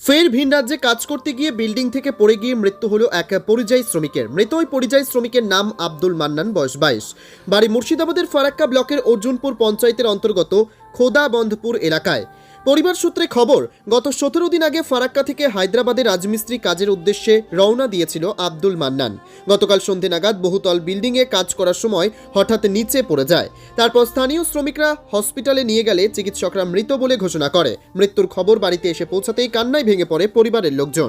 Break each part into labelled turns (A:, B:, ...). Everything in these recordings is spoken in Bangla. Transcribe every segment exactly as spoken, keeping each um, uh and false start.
A: ফের ভিন রাজ্যে কাজ করতে গিয়ে বিল্ডিং থেকে পড়ে গিয়ে মৃত্যু হলো এক পরিযায়ী শ্রমিকের। মৃত ওই পরিযায়ী শ্রমিকের নাম আব্দুল মান্নান, বয়স বাইশ। বাড়ি মুর্শিদাবাদের ফারাক্কা ব্লকের অর্জুনপুর পঞ্চায়েতের অন্তর্গত খোদাবন্ধপুর এলাকায়। পরিবার সূত্রে খবর, গত সতেরো দিন আগে ফারাক্কা থেকে হায়দ্রাবাদে রাজমিস্ত্রি কাজের উদ্দেশ্যে রওনা দিয়েছিল আব্দুল মান্নান। গতকাল সন্ধে নাগাদ বহুতল বিল্ডিংয়ে কাজ করার সময় হঠাৎ নিচে পড়ে যায়। তারপর স্থানীয় শ্রমিকরা হসপিটালে নিয়ে গেলে চিকিৎসকরা মৃত বলে ঘোষণা করে। মৃত্যুর খবর বাড়িতে এসে পৌঁছাতেই কান্নায় ভেঙে পড়ে পরিবারের লোকজন।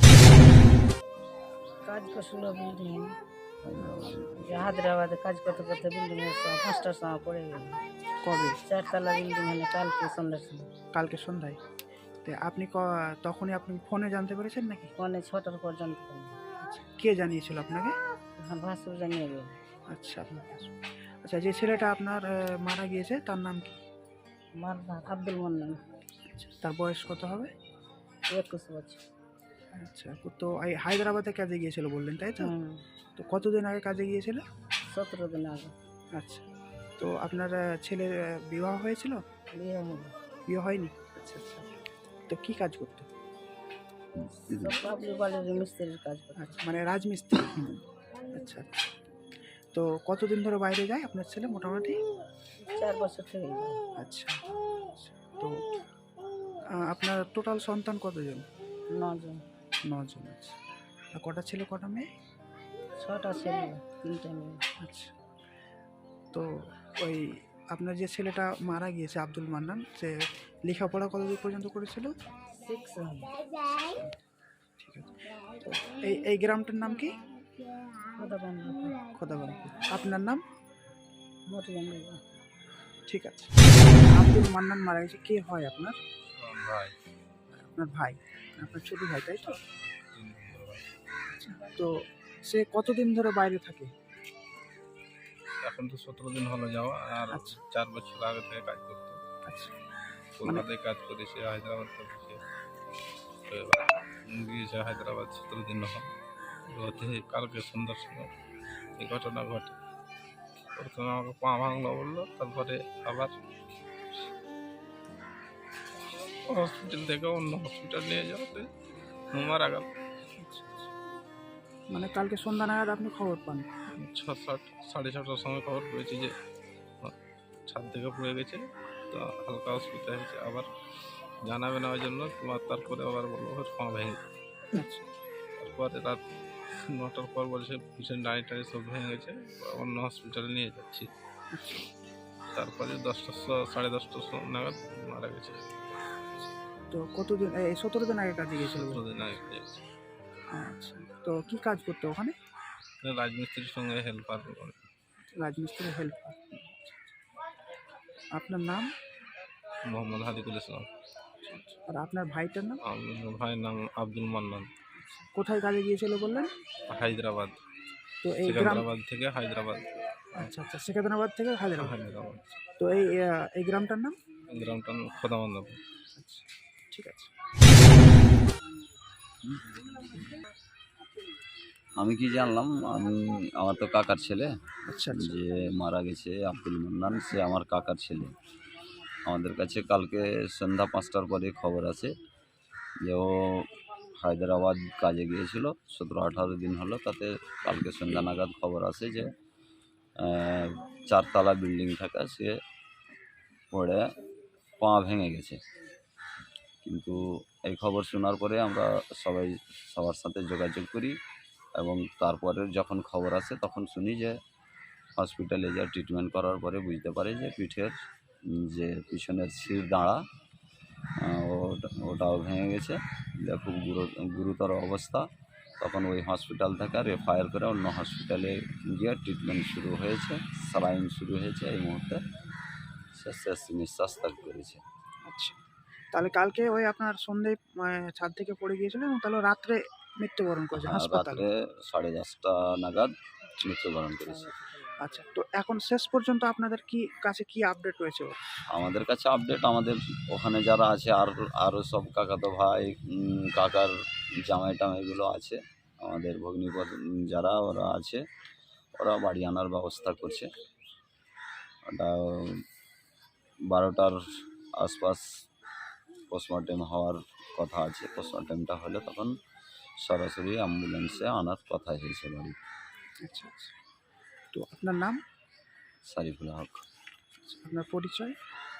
B: কাজ করছিল বিল্ডিং হায়দ্রাবাদে কাজ করতে করতে বিল্ডিং এর সময় পাঁচটার সময় পড়ে গেল।
C: কবে?
B: চারতলা বিল্ডিং হলে কালকে সন্ধ্যার সময়
C: কালকে সন্ধ্যায়। তো আপনি ক- তখনই আপনি ফোনে জানতে পেরেছেন নাকি?
B: পৌনে ছটার পর্যন্ত
C: কে জানিয়েছিল আপনাকে?
B: আমার ভাসুর জানিয়ে গেল।
C: আচ্ছা আপনার কাছে। আচ্ছা, যে ছেলেটা আপনার আহ, মারা গিয়েছে তার নাম কি?
B: আমার নাম আব্দুল মান্নান,
C: আচ্ছা, তার বয়স কত হবে?
B: একুশ বছর।
C: আচ্ছা, তো এই হায়দ্রাবাদে কাজে গিয়েছিল বললেন, তাই তো?
B: হুম,
C: তো কতদিন আগে কাজে গিয়েছিল?
B: সতেরো দিন আগে
C: আচ্ছা, তো আপনার আহ, ছেলের আহ, বিবাহ হয়েছিল?
B: বিয়ে হলো।
C: বিয়ে হয়নি? আচ্ছা আচ্ছা। তো কি কাজ করতো?
B: সব পাবলিক বাড়ির মিস্ত্রির কাজ করে।
C: আচ্ছা, মানে রাজমিস্ত্রি। আচ্ছা, তো কতদিন ধরে বাইরে যায় আপনার ছেলে মোটামুটি?
B: চার বছর থেকে গেল।
C: আচ্ছা আচ্ছা। তো আহ, আপনার টোটাল সন্তান কতজন?
B: নজন।
C: নজন। আচ্ছা, আর কটা ছেলে কটা মেয়ে?
B: ছটা ছেলে, তিনটে মেয়ে।
C: আচ্ছা, তো ওই আপনার যে ছেলেটা মারা গিয়েছে আব্দুল মান্নান, সে লেখাপড়া কতদূর পর্যন্ত করেছিল?
B: সিক্স
C: ঠিক আছে। তো এই এই গ্রামটার নাম কি?
B: খোদাবন্ধপুর।
C: খোদাবন্ধপুর। আপনার নাম?
B: মরিয়াম।
C: ঠিক আছে। আব্দুল মান্নান মারা গেছে, কে হয় আপনার?
D: ভাই,
C: আপনার ভাই, আপনার ছোট ভাই, তাই তো? আচ্ছা, তো সে কতদিন ধরে বাইরে থাকে?
D: এখন তো সতেরো দিন হলো যাওয়া, আর
C: আচ্ছা।
D: চার বছর আগে থেকে কাজ করতো।
C: আচ্ছা,
D: কলকাতায় কাজ করেছে, হায়দ্রাবাদ করেছে। তো এবার গিয়েছে হায়দ্রাবাদ, সতেরো দিন হলো। হতে কালকে সন্ধ্যার সময় এই ঘটনা ঘটে। প্রথমে আমাকে পা ভাঙলো বললো, তারপরে আবার হসপিটাল থেকে অন্য হসপিটাল নিয়ে যাওয়াতে মারা গেল।
C: মানে কালকে সন্ধ্যা নাগাদ আপনি খবর পান?
D: ছ সাত সাড়ে ছটার সময় খবর পেয়েছি যে ছাদ থেকে পড়ে গেছে, তো হালকা অসুবিধা হয়েছে। আবার জানাবে না ওই জন্য, তোমার তারপরে আবার বললো ওর পা ভেঙে।
C: আচ্ছা,
D: তারপরে রাত নটার পর বলছে পিছনে দাঁড়ি টাড়ি সব ভেঙে গেছে, অন্য হসপিটালে নিয়ে যাচ্ছি। তারপরে দশটার স- সাড়ে দশটার সময় নাগাদ মারা গেছে।
C: তো কতদিন, এই সতেরো দিন আগে কাজে গিয়েছিল?
D: সতেরো দিন আগে মারা গেছে।
C: আচ্ছা, তো কি কাজ করতো ওখানে?
D: রাজমিস্ত্রির সঙ্গে হেল্পার।
C: রাজমিস্ত্রি হেল্প। আপনার নাম?
D: মোহাম্মদ হাদিকুল ইসলাম।
C: আর আপনার ভাইটার নাম?
D: আমার ভাইয়ের নাম আব্দুল মান্নান।
C: কোথায় কাজে গিয়েছিল বললেন?
D: হায়দ্রাবাদ,
C: তো এই গ্রাম,
D: সিকান্দ্রাবাদ থেকে হায়দ্রাবাদ।
C: আচ্ছা আচ্ছা, সেকেন্দ্রাবাদ থেকে হায়দ্রাবাদ।
D: হায়দ্রাবাদ
C: তো এই আহ, এই গ্রামটার নাম?
D: গ্রামটা খোদাবন্ধপুর।
C: আচ্ছা, ঠিক আছে।
E: আমি কি জানলাম, আমি আমার তো কাকার ছেলে
C: আচ্ছা আচ্ছা।
E: যে মারা গেছে আব্দুল মান্নান, সে আমার কাকার ছেলে। আমাদের কাছে কালকে সন্ধ্যা পাঁচটার পরে খবর আছে যে ও হায়দ্রাবাদ কাজে গিয়েছিল, সতেরো আঠারো দিন হলো। তাতে কালকে সন্ধ্যা নাগাদ খবর আসে যে আহ, চারতলা বিল্ডিং থাকা সে পড়ে পা ভেঙে গেছে। কিন্তু এই খবর শোনার পরে আমরা সবাই সবার সাথে যোগাযোগ করি, এবং তারপরে যখন খবর আসে তখন শুনি যে হসপিটালে যা ট্রিটমেন্ট করার পরে বুঝতে পারে যে পিঠের উম, যে পিছনের শির দাঁড়া আহ, ওটা ওটাও ভেঙে গেছে। যা খুব গুরু গুরুতর অবস্থা। তখন ওই হসপিটাল থেকে রেফার করে অন্য হসপিটালে গিয়ে ট্রিটমেন্ট শুরু হয়েছে, স্যালাইন শুরু হয়েছে। এই মুহূর্তে সে শেষ নিঃশ্বাস ত্যাগ করেছে।
C: আচ্ছা, তাহলে কালকে ওই আপনার সন্ধে ছাদ থেকে পড়ে গিয়েছিল এবং তাহলে রাত্রে মৃত্যুবরণ করেছে
E: আর
C: হাসপাতালে?
E: রাত্রে সাড়ে দশটা নাগাদ মৃত্যুবরণ করেছে।
C: আচ্ছা, তো এখন শেষ পর্যন্ত আপনাদের কি কাছে কি আপডেট রয়েছে ওর?
E: আমাদের কাছে আপডেট, আমাদের ওখানে যারা আছে আর আরও সব কাকাতো ভাই, উম, কাকার জামাই টামাইগুলো আছে, আমাদের ভগ্নিপদ যারা ওরা আছে, ওরা বাড়ি আনার ব্যবস্থা করছে। ওটা বারোটার আশপাশ পোস্টমর্টেম হওয়ার কথা আছে, পোস্টমর্টমটা হলে তখন সরাসরি অ্যাম্বুলেন্সে আনার কথা হয়েছে বাড়ি।
C: আচ্ছা আচ্ছা। তো আপনার নাম,
E: সারিফুল হক।
C: আপনার পরিচয়?